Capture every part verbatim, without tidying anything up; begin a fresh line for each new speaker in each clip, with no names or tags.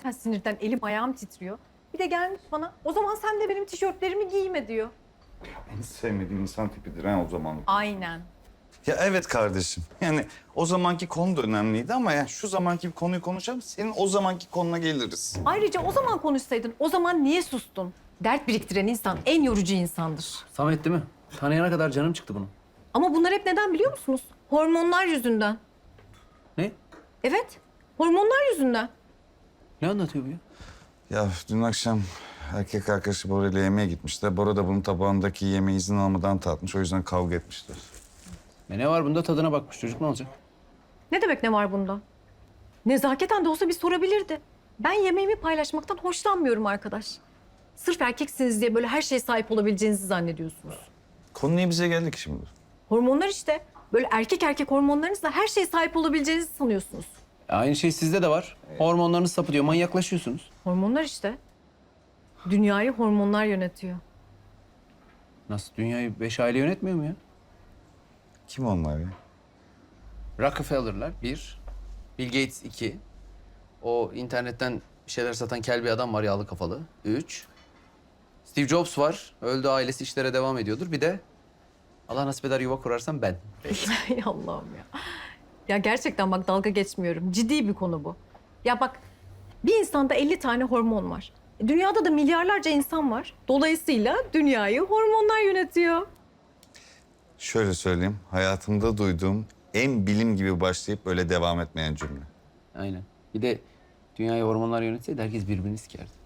zaten sinirden elim ayağım titriyor. Bir de gelmiş bana, o zaman sen de benim tişörtlerimi giyme diyor.
En sevmediğim insan tipidir ha o zaman.
Aynen.
Ya evet kardeşim. Yani o zamanki konu da önemliydi ama ya şu zamanki bir konuyu konuşalım. Senin o zamanki konuna geliriz.
Ayrıca o zaman konuşsaydın, o zaman niye sustun? Dert biriktiren insan en yorucu insandır.
Samet değil mi? Tanıyana kadar canım çıktı bunun.
Ama bunlar hep neden biliyor musunuz? Hormonlar yüzünden.
Ne?
Evet, hormonlar yüzünden.
Ne anlatıyor bu ya?
Ya dün akşam erkek arkadaşı Bora ile yemeğe gitmişler. Bora da bunun tabağındaki yemeği izin almadan tatmış. O yüzden kavga etmişler.
E ne var bunda, tadına bakmış çocuk, ne olacak?
Ne demek ne var bunda? Nezaketen de olsa bir sorabilirdi. Ben yemeğimi paylaşmaktan hoşlanmıyorum arkadaş. Sırf erkeksiniz diye böyle her şeye sahip olabileceğinizi zannediyorsunuz.
Konu niye bize geldi ki şimdi?
Hormonlar işte. Böyle erkek erkek hormonlarınızla her şeye sahip olabileceğinizi sanıyorsunuz.
E aynı şey sizde de var. Hormonlarınız sapıtıyor, manyaklaşıyorsunuz.
Hormonlar işte. Dünyayı hormonlar yönetiyor.
Nasıl, dünyayı beş aile yönetmiyor mu ya?
Kim onlar ya?
Rockefeller'lar bir, Bill Gates iki, o internetten bir şeyler satan kel bir adam var, yağlı kafalı. Üç, Steve Jobs var, öldü, ailesi işlere devam ediyordur. Bir de Allah nasip eder yuva kurarsam ben.
Ay Allah'ım ya. Ya gerçekten bak dalga geçmiyorum. Ciddi bir konu bu. Ya bak bir insanda elli tane hormon var. E, Dünyada da milyarlarca insan var. Dolayısıyla dünyayı hormonlar yönetiyor.
Şöyle söyleyeyim. Hayatımda duyduğum en bilim gibi başlayıp böyle devam etmeyen cümle.
Aynen. Bir de dünyayı hormonlar yönetseydi herkes birbirini sikerdi.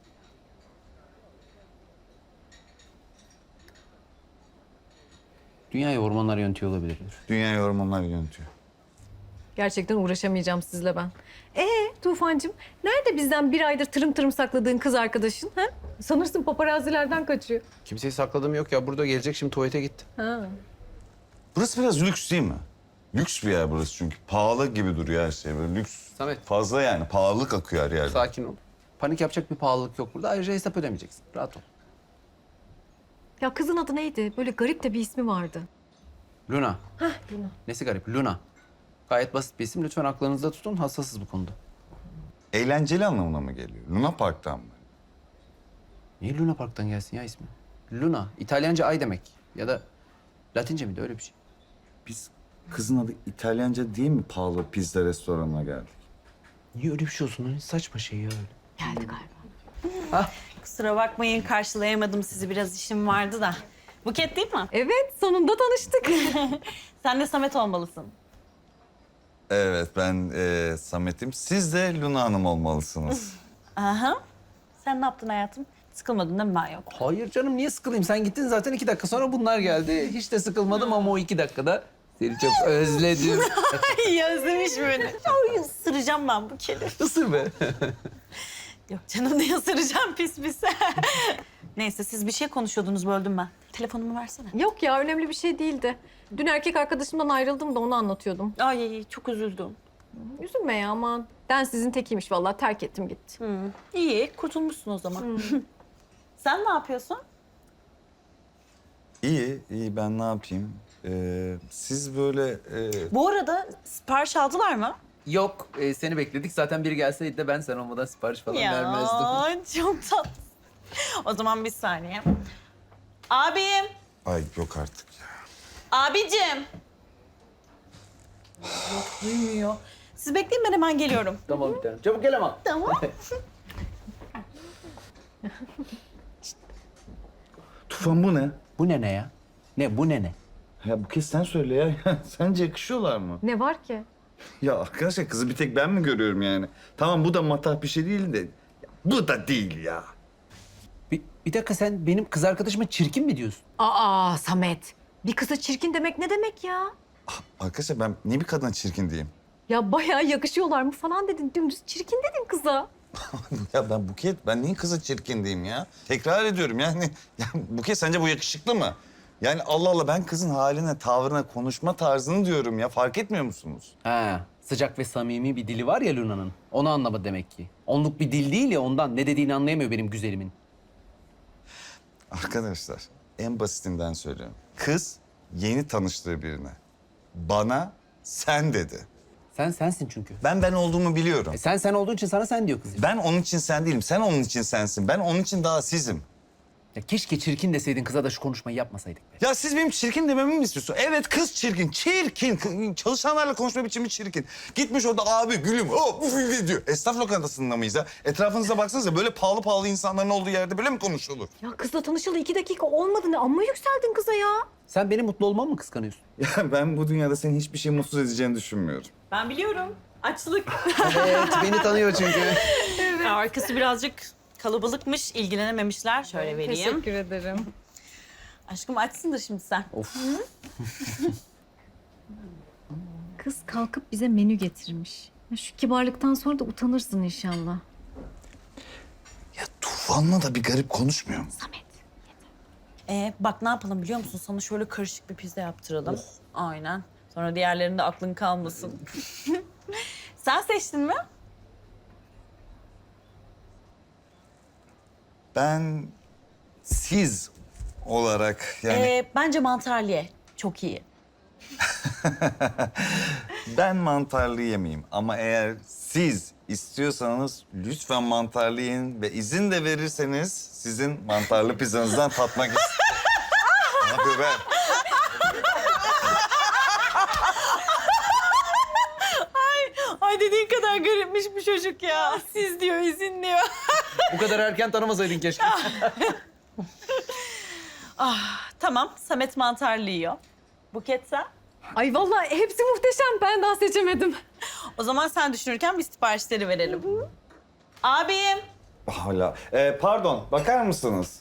Dünyayı hormonlar yönetiyor olabilirler.
Dünyayı hormonlar yönetiyor.
Gerçekten uğraşamayacağım sizle ben. Ee Tufancığım, nerede bizden bir aydır tırım tırım sakladığın kız arkadaşın? Ha? Sanırsın paparazilerden kaçıyor.
Kimseyi sakladığım yok ya. Burada gelecek, şimdi tuvalete gitti.
Ha.
Burası biraz lüks değil mi? Lüks bir yer burası çünkü. Pahalı gibi duruyor her şey. Böyle lüks.
Samet.
Fazla yani. Pahalılık akıyor her yerde.
Sakin ol. Panik yapacak bir pahalılık yok burada. Ayrıca hesap ödemeyeceksin. Rahat ol.
Ya kızın adı neydi? Böyle garip de bir ismi vardı.
Luna.
Hah Luna.
Nesi garip? Luna. Gayet basit bir isim. Lütfen aklınızda tutun. Hassasız bu konuda.
Eğlenceli anlamına mı geliyor? Luna Park'tan mı?
Niye Luna Park'tan gelsin ya ismi? Luna. İtalyanca ay demek. Ya da Latince miydi, öyle bir şey.
Biz kızın adı İtalyanca diye mi pahalı pizza restoranına geldik?
Niye öyle bir şey olsun? Ne saçma şey ya öyle.
Geldi galiba.
Kusura bakmayın, karşılayamadım sizi. Biraz işim vardı da. Buket değil mi?
Evet, sonunda tanıştık.
Sen de Samet olmalısın.
Evet ben e, Samet'im. Siz de Luna Hanım olmalısınız.
Aha. Sen ne yaptın hayatım? Sıkılmadın değil mi ben yok?
Hayır canım, niye sıkılayım? Sen gittin zaten, iki dakika sonra bunlar geldi. Hiç de sıkılmadım ama o iki dakikada seni çok özledim.
Ay özlemiş beni. Ay ısıracağım ben bu kedi.
Isır be.
Yok canım, ne ısıracağım pis pis. Neyse, siz bir şey konuşuyordunuz, böldüm ben. Telefonumu versene.
Yok ya, önemli bir şey değildi. Dün erkek arkadaşımdan ayrıldım da onu anlatıyordum.
Ay çok üzüldüm.
Üzülme ya aman. Densizin tekiymiş vallahi, terk ettim gitti.
Hı. İyi, kurtulmuşsun o zaman. Sen ne yapıyorsun?
İyi, iyi ben ne yapayım? Ee, siz böyle... e,
Bu arada sipariş aldılar mı?
Yok, e, seni bekledik. Zaten biri gelseydi de ben sen olmadan sipariş falan vermezdim.
Ya çok tatlı. O zaman bir saniye. Abim,
Ay yok artık ya.
abicim. Yok, duymuyor. Siz bekleyin, ben hemen geliyorum.
Tamam bir tanem. Çabuk gel ama.
Tamam.
Tufan bu ne?
Bu ne ne ya? Ne bu ne ne?
Ya bu kez sen söyle ya. Sence yakışıyorlar mı?
Ne var ki?
Ya arkadaşlar kızı bir tek ben mi görüyorum yani? Tamam bu da matah bir şey değil de... Bu da değil ya.
Bir, bir dakika, sen benim kız arkadaşıma çirkin mi diyorsun?
Aa Samet. Bir kıza çirkin demek ne demek ya?
Arkadaşlar ben niye bir kadına çirkin diyeyim?
Ya bayağı yakışıyorlar mı falan dedin. Dümdüz çirkin dedin kıza.
Ya ben Buket, ben niye kıza çirkin diyeyim ya? Tekrar ediyorum yani. Ya Buket sence bu yakışıklı mı? Yani Allah Allah ben kızın haline, tavrına, konuşma tarzını diyorum ya. Fark etmiyor musunuz?
Ha, sıcak ve samimi bir dili var ya Luna'nın. Onu anlamadı demek ki. Onluk bir dil değil ya ondan. Ne dediğini anlayamıyor benim güzelimin.
Arkadaşlar en basitinden söylüyorum. Kız yeni tanıştığı birine bana sen dedi.
Sen sensin çünkü.
Ben ben olduğumu biliyorum.
E sen sen olduğun için sana sen diyor kız.
Ben onun için sen değilim. Sen onun için sensin. Ben onun için daha sizim.
Ya keşke çirkin deseydin kıza da şu konuşmayı yapmasaydık be.
Ya siz benim çirkin dememi mi istiyorsun? Evet kız çirkin, çirkin. K- Çalışanlarla konuşma biçimi çirkin. Gitmiş orada abi gülüm oh, uf, diyor. Esnaf lokantasında mıyız ya? Etrafınıza baksanıza böyle pahalı pahalı insanların olduğu yerde böyle mi konuşulur?
Ya kızla tanışalı iki dakika olmadı ne? Amma yükseldin kıza ya.
Sen benim mutlu olmamı mı kıskanıyorsun?
Ya ben bu dünyada senin hiçbir şey mutsuz edeceğini düşünmüyorum.
Ben biliyorum. Açlık.
Evet, beni tanıyor çünkü.
Arkası birazcık kalabalıkmış, ilgilenememişler. Şöyle vereyim.
Teşekkür ederim.
Aşkım açsındır şimdi sen.
Of.
Kız kalkıp bize menü getirmiş. Ya şu kibarlıktan sonra da utanırsın inşallah.
Ya Tufan'la da bir garip konuşmuyor mu?
Samet.
Ee, bak ne yapalım biliyor musun? Sana şöyle karışık bir pizza yaptıralım. Aynen. Sonra diğerlerinde aklın kalmasın. Sen seçtin mi?
Ben siz olarak yani
Ee, bence mantarlı ye. Çok iyi.
ben mantarlı yemeyeyim ama eğer siz istiyorsanız lütfen mantarlı yiyin ve izin de verirseniz sizin mantarlı pizzanızdan tatmak istiyorum. Ne yapıyor be?
Ay dediğin kadar garipmiş bu çocuk ya. Siz diyor, izin diyor.
Bu kadar erken tanımasaydın keşke.
Tamam, Samet mantarlı yiyor. Buket sen?
Ay vallahi hepsi muhteşem. Ben daha seçemedim.
O zaman sen düşünürken biz siparişleri verelim. Abim.
Hala. Ee, pardon, bakar mısınız?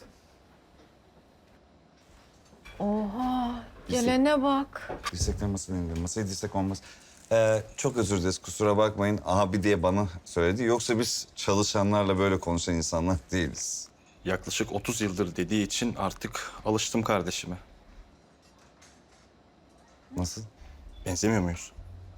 Oha. Gelene bak.
Dirsekler masaya indir. Masaya dirsek olmaz. Ee, çok özür dileriz, kusura bakmayın. Abi diye bana söyledi. Yoksa biz çalışanlarla böyle konuşan insanlar değiliz.
Yaklaşık otuz yıldır dediği için artık alıştım kardeşime.
Nasıl?
Benzemiyor muyuz?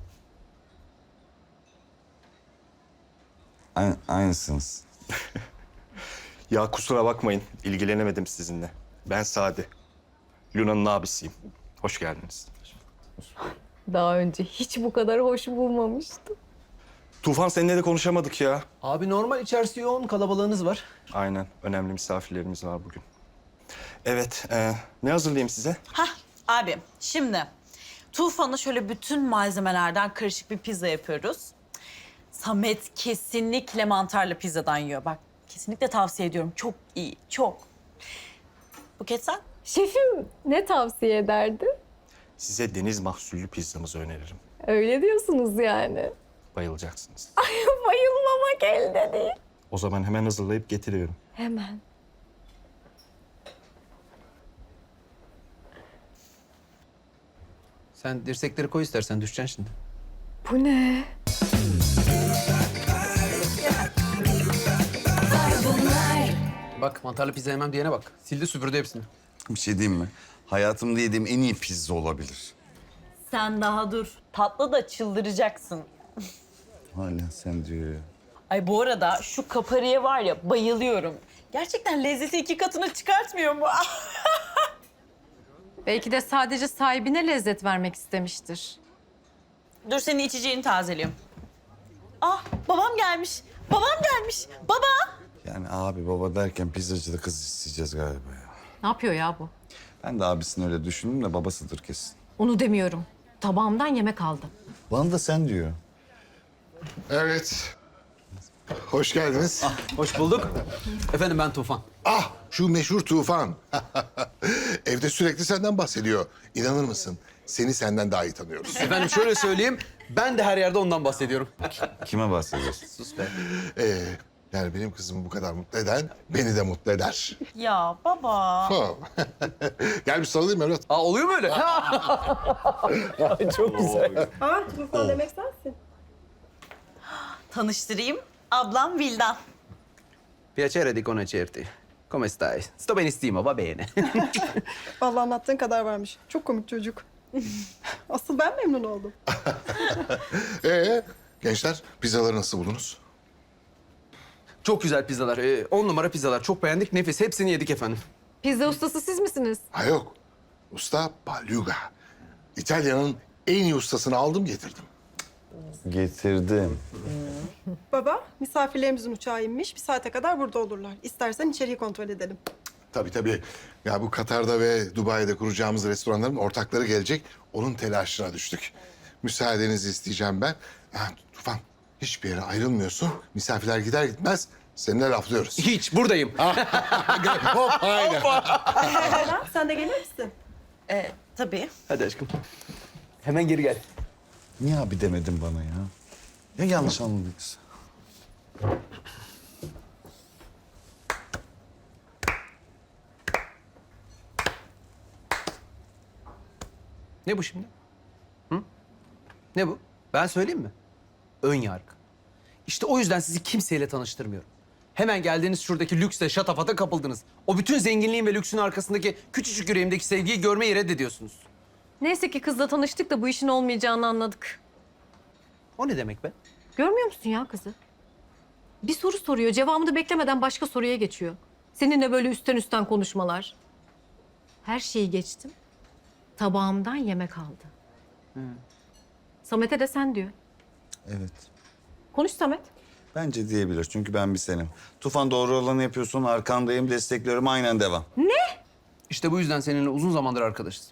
Aynı, aynısınız.
Ya kusura bakmayın, ilgilenemedim sizinle. Ben Sade. Luna'nın abisiyim. Hoş geldiniz.
Daha önce hiç bu kadar hoş bulmamıştım.
Tufan seninle de konuşamadık ya.
Abi normal içerisi yoğun, kalabalığınız var.
Aynen, önemli misafirlerimiz var bugün. Evet, e, ne hazırlayayım size?
Hah abim şimdi Tufan'a şöyle bütün malzemelerden karışık bir pizza yapıyoruz. Samet kesinlikle mantarlı pizzadan yiyor. Bak kesinlikle tavsiye ediyorum. Çok iyi, çok. Buket sen?
Şefim ne tavsiye ederdi?
Size deniz mahsullü pizzamızı öneririm.
Öyle diyorsunuz yani.
Bayılacaksınız.
Bayılmamak elde değil.
O zaman hemen hazırlayıp getiriyorum.
Hemen.
Sen dirsekleri koy istersen, düşeceksin şimdi.
Bu ne?
Bak mantarlı pizza yemem diyene bak. Sildi süpürdü hepsini.
Bir şey diyeyim mi? Hayatımda yediğim en iyi pizza olabilir.
Sen daha dur. Tatlı da çıldıracaksın.
Hala sen diyor ya.
Ay bu arada şu kapariye var ya bayılıyorum. Gerçekten lezzeti iki katına çıkartmıyor mu?
Belki de sadece sahibine lezzet vermek istemiştir.
Dur senin içeceğini tazeliyorum. Ah babam gelmiş. Babam gelmiş. Baba.
Yani abi baba derken pizzacıda kız isteyeceğiz galiba ya.
Ne yapıyor ya bu?
Ben de abisini öyle düşündüm de babasıdır kesin.
Onu demiyorum. Tabağımdan yemek aldı.
Bana da sen diyor.
Evet. Hoş geldiniz. Ah,
Hoş bulduk. Efendim ben Tufan.
şu meşhur Tufan. Evde sürekli senden bahsediyor. İnanır mısın? Seni senden daha iyi tanıyoruz.
Efendim şöyle söyleyeyim, ben de her yerde ondan bahsediyorum.
Kime bahsediyorsun?
Sus be.
Ee, yani benim kızımı bu kadar mutlu eden beni de mutlu eder.
Ya baba.
Ha. Gel bir sarılayım evlat.
Aa oluyor mu öyle? Çok güzel.
Tanıştırayım. Ablam Vildan.
Piacere di conoscerti. Come stai? Sto benissimo, va bene.
Vallahi anlattığın kadar varmış. Çok komik çocuk. Asıl ben memnun oldum.
Ee, gençler pizzaları nasıl buldunuz?
Çok güzel pizzalar. Ee, on numara pizzalar. Çok beğendik, nefis. Hepsini yedik efendim.
Pizza ustası siz misiniz?
Ha yok. Usta Baluga. İtalya'nın en iyi ustasını aldım getirdim.
Getirdim.
Baba, misafirlerimizin uçağı inmiş. Bir saate kadar burada olurlar. İstersen içeriği kontrol edelim.
Tabii tabii. Ya bu Katar'da ve Dubai'de kuracağımız restoranların ortakları gelecek. Onun telaşına düştük. Müsaadenizi isteyeceğim ben. Ha, Tufan, hiçbir yere ayrılmıyorsun. Misafirler gider gitmez seninle laflıyoruz.
Hiç buradayım.
Hop, aynen.
Baba, sen de gelir misin?
Ee, tabii.
Hadi aşkım. Hemen geri gel.
Niye abi demedin bana ya? Ya yanlış anladıysa?
Ne bu şimdi? Hı? Ne bu? Ben söyleyeyim mi? Ön yargı. İşte o yüzden sizi kimseyle tanıştırmıyorum. Hemen geldiğiniz şuradaki lüksle şatafata kapıldınız. O bütün zenginliğin ve lüksün arkasındaki küçücük yüreğimdeki sevgiyi görmeyi reddediyorsunuz.
Neyse ki kızla tanıştık da bu işin olmayacağını anladık.
O ne demek be?
Görmüyor musun ya kızı? Bir soru soruyor, cevabını da beklemeden başka soruya geçiyor. Seninle böyle üstten üstten konuşmalar. Her şeyi geçtim. Tabağımdan yemek aldı. Samet'e de sen diyor.
Evet.
Konuş Samet.
Bence diyebilir çünkü ben bir senim. Tufan doğru olanı yapıyorsun, arkandayım, destekliyorum, aynen devam.
İşte bu yüzden seninle uzun zamandır arkadaşız.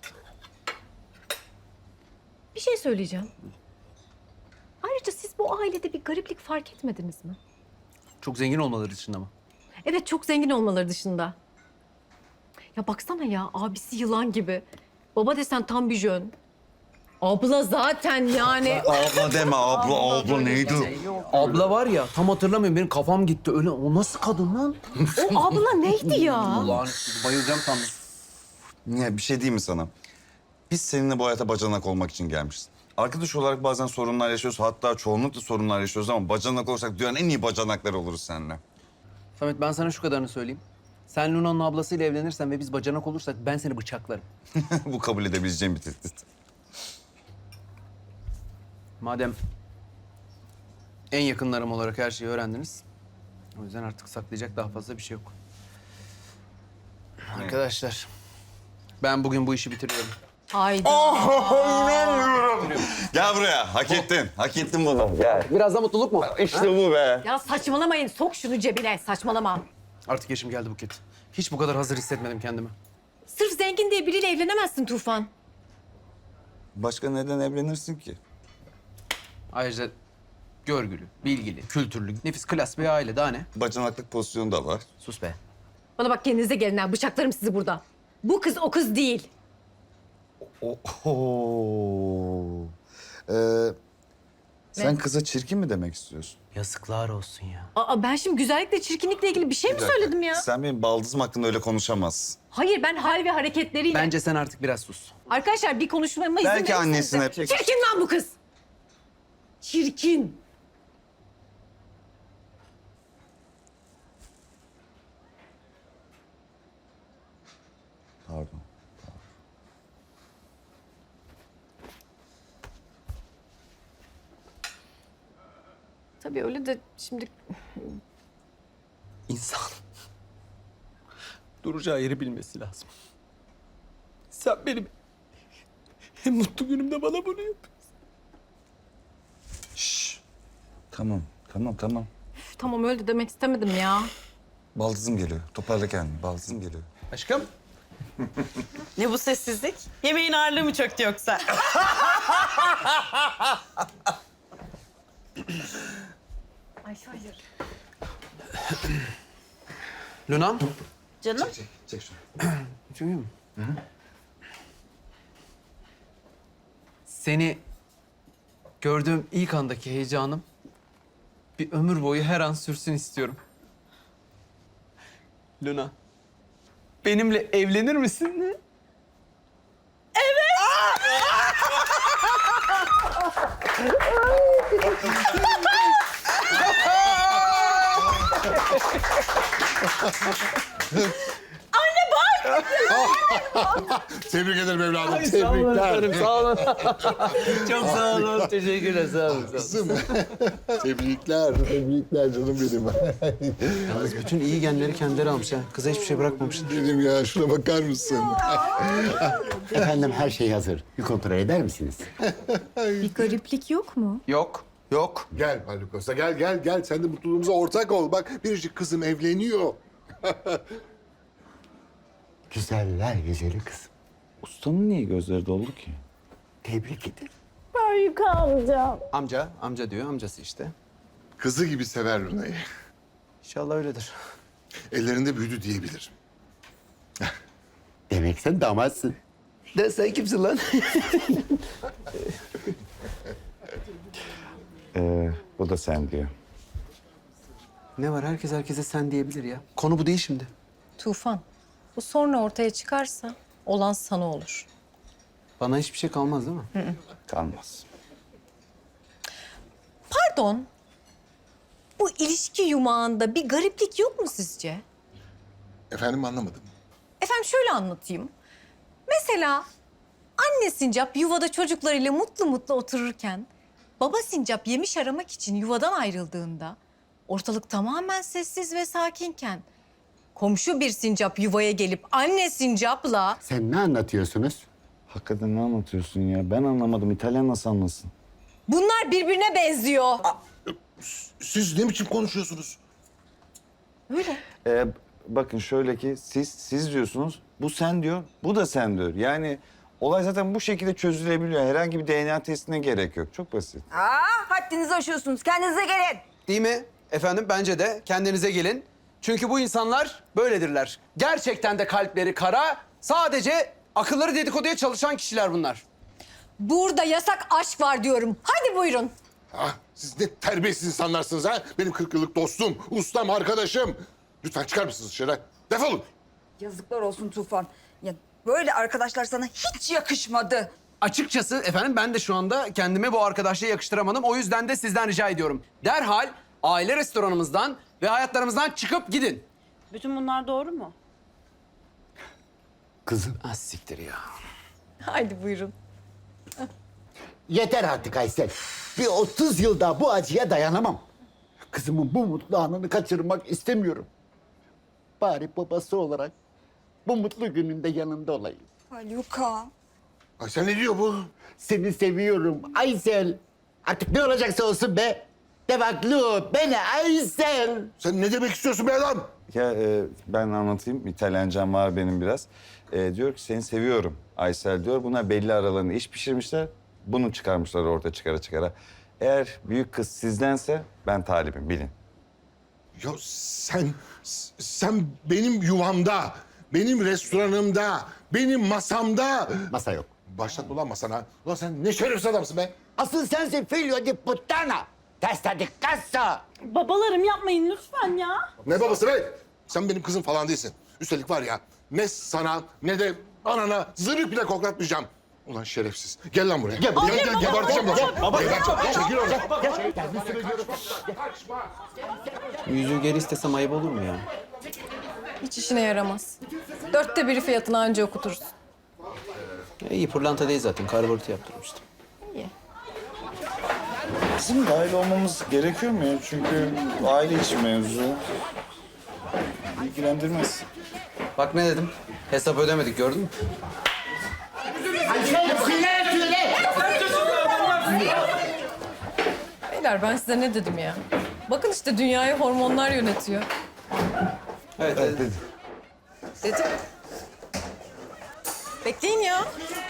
Bir şey söyleyeceğim. Ayrıca siz bu ailede bir gariplik fark etmediniz mi?
Çok zengin olmaları dışında mı?
Evet, çok zengin olmaları dışında. Ya baksana ya, abisi yılan gibi. Baba desen tam bir jön. Abla zaten yani.
Abla deme, abla, abla neydi?
Abla var ya, tam hatırlamıyorum. Benim kafam gitti. Öyle, o nasıl kadın lan?
O abla neydi ya?
Ulan bayılacağım sandım.
Ya bir şey diyeyim mi sana? Biz seninle bu hayata bacanak olmak için gelmişiz. Arkadaş olarak bazen sorunlar yaşıyoruz. Hatta çoğunlukla sorunlar yaşıyoruz ama bacanak olursak dünyanın en iyi bacanaklar oluruz seninle.
Samet, ben sana şu kadarını söyleyeyim. Sen Luna'nın ablasıyla evlenirsen ve biz bacanak olursak ben seni bıçaklarım.
Bu kabul edebileceğim bir tehdit.
Madem en yakınlarım olarak her şeyi öğrendiniz. O yüzden artık saklayacak daha fazla bir şey yok. Arkadaşlar, ben bugün bu işi bitiriyorum.
Haydi.
Gel buraya, hak ettin. Hak ettin bunu. Gel.
Biraz da mutluluk mu?
İşte bu be.
Ya saçmalamayın. Sok şunu cebine. Saçmalama.
Artık yaşım geldi Buket. Hiç bu kadar hazır hissetmedim kendimi.
Sırf zengin diye biriyle evlenemezsin Tufan.
Başka neden evlenirsin ki?
Ayrıca görgülü, bilgili, kültürlü, nefis klas bir aile. Daha ne?
Bacanaklık pozisyonu da var.
Sus be.
Bana bak, kendinize gelin ha. Bıçaklarım sizi burada. Bu kız o kız değil.
Oho. Ee, sen kıza çirkin mi demek istiyorsun?
Yazıklar olsun ya.
Aa, ben şimdi güzellikle çirkinlikle ilgili bir şey mi
Bir dakika,
söyledim ya?
Sen benim baldızım hakkında öyle konuşamazsın.
Hayır, ben hal ve hareketleriyle...
Bence sen artık biraz sus.
Arkadaşlar bir konuşmama izin
Belki
verirseniz de-
annesine-
Çirkin lan bu kız. Çirkin.
Pardon.
Tabii öyle de şimdi...
İnsan duracağı yeri bilmesi lazım. Sen benim en mutlu günümde bana bunu yapıyorsun.
Şşş. Tamam, tamam, tamam.
Üf, tamam öyle de demek istemedim ya.
Baldızım geliyor. Toparla kendini. Baldızım geliyor.
Aşkım.
Ne bu sessizlik? Yemeğin ağırlığı mı çöktü yoksa?
Ay hayır.
Luna'm.
Canım.
Çek şunu.
Çünkü seni gördüğüm ilk andaki heyecanım bir ömür boyu her an sürsün istiyorum. Luna, benimle evlenir misin?
Tebrik ederim evladım.
Sağ olun
Tebrikler.
efendim, sağ olun. Çok sağ olun, teşekkürler, sağ olun. Sağ olun.
Kızım. Tebrikler. Tebrikler canım benim.
Yalnız bütün iyi genleri kendileri almış ha. Kıza hiçbir şey bırakmamışlar.
Benim ya şuna bakar mısın?
Efendim her şey hazır. Bir kontrol eder misiniz?
Bir gariplik yok mu?
Yok, yok.
Gel Halukos'a gel gel gel. Sen de mutluluğumuza ortak ol. Bak biricik kızım evleniyor.
Güzeller güzeli kızım.
Ustanın niye gözleri doldu ki?
Tebrik ederim.
Amca, amca diyor, amcası işte.
Kızı gibi sever Luna'yı.
İnşallah öyledir.
Ellerinde büyüdü diyebilirim.
Demek sen damatsın.
De sen kimsin lan?
Ee, bu da sen diyor.
Ne var? Herkes herkese sen diyebilir ya. Konu bu değil şimdi.
Tufan, bu sonra ortaya çıkarsa olan sana olur.
Bana hiçbir şey kalmaz değil mi?
Kalmaz.
Pardon, bu ilişki yumağında bir gariplik yok mu sizce?
Efendim anlamadım.
Efendim şöyle anlatayım. Mesela anne sincap yuvada çocuklarıyla mutlu mutlu otururken... ...baba sincap yemiş aramak için yuvadan ayrıldığında... ...ortalık tamamen sessiz ve sakinken... ...komşu bir sincap yuvaya gelip anne sincapla...
Sen ne anlatıyorsunuz?
Hakikaten ne anlatıyorsun ya? Ben anlamadım. İtalyan nasıl anlasın?
...bunlar birbirine benziyor.
Siz ne biçim konuşuyorsunuz?
Öyle.
Ee, bakın şöyle ki siz siz diyorsunuz, bu sen diyor, bu da sen diyor. Yani olay zaten bu şekilde çözülebiliyor. Herhangi bir D N A testine gerek yok. Çok basit.
Aa, haddinizi aşıyorsunuz. Kendinize gelin.
Değil mi? Efendim bence de kendinize gelin. Çünkü bu insanlar böyledirler. Gerçekten de kalpleri kara, sadece akılları dedikoduya çalışan kişiler bunlar.
Burada yasak aşk var diyorum. Hadi buyurun.
Ah, siz ne terbiyesiz insanlarsınız ha? Benim kırk yıllık dostum, ustam, arkadaşım. Lütfen çıkar mısınız dışarı? Defolun.
Yazıklar olsun Tufan. Ya böyle arkadaşlar sana hiç yakışmadı.
Açıkçası efendim ben de şu anda kendime bu arkadaşlığı yakıştıramadım. O yüzden de sizden rica ediyorum. Derhal aile restoranımızdan ve hayatlarımızdan çıkıp gidin.
Bütün bunlar doğru mu?
Kızım.
Ah siktir ya.
Hadi buyurun.
Yeter artık Aysel. Bir otuz yıl daha bu acıya dayanamam. Kızımın bu mutlu anını kaçırmak istemiyorum. Bari babası olarak bu mutlu gününde yanında olayım.
Haluka.
Ay sen ne diyor bu?
Seni seviyorum Aysel. Artık ne olacaksa olsun be. Devaklı beni Aysel.
Sen ne demek istiyorsun be adam?
Ya e, ben anlatayım. İtalyancam var benim biraz. E, diyor ki seni seviyorum Aysel diyor. Buna belli aralarında iş pişirmişler. Bunu çıkarmışlar ortaya çıkara çıkara. Eğer büyük kız sizdense ben talibim bilin.
Ya sen, sen benim yuvamda, benim restoranımda, benim masamda...
Masa yok.
Başlatma ulan masana. Ulan sen ne şerefsiz adamsın be.
Asıl sensin figlio di puttana. Testa di cazzo.
Babalarım yapmayın lütfen ya.
Ne babası be? Sen benim kızım falan değilsin. Üstelik var ya ne sana ne de anana zırh bile koklatmayacağım. Ulan şerefsiz. Gel lan buraya. Gel, gel, gel, geberteceğim lan. Baba, çekil oradan.
Yüzüğü geri istesem ayıp olur mu ya?
Hiç işine yaramaz. Dörtte biri fiyatını anca okutursun.
Ya iyi pırlanta değil zaten. Karbonatı yaptırmıştım.
İyi.
Bizim dahil olmamız gerekiyor mu ya? Çünkü aile içi mevzu. İlgilendirmez.
Bak ne dedim? Hesap ödemedik gördün mü?
Beyler ben size ne dedim ya? Bakın işte dünyayı hormonlar yönetiyor.
Evet, evet.
Dedim. Bekleyin ya.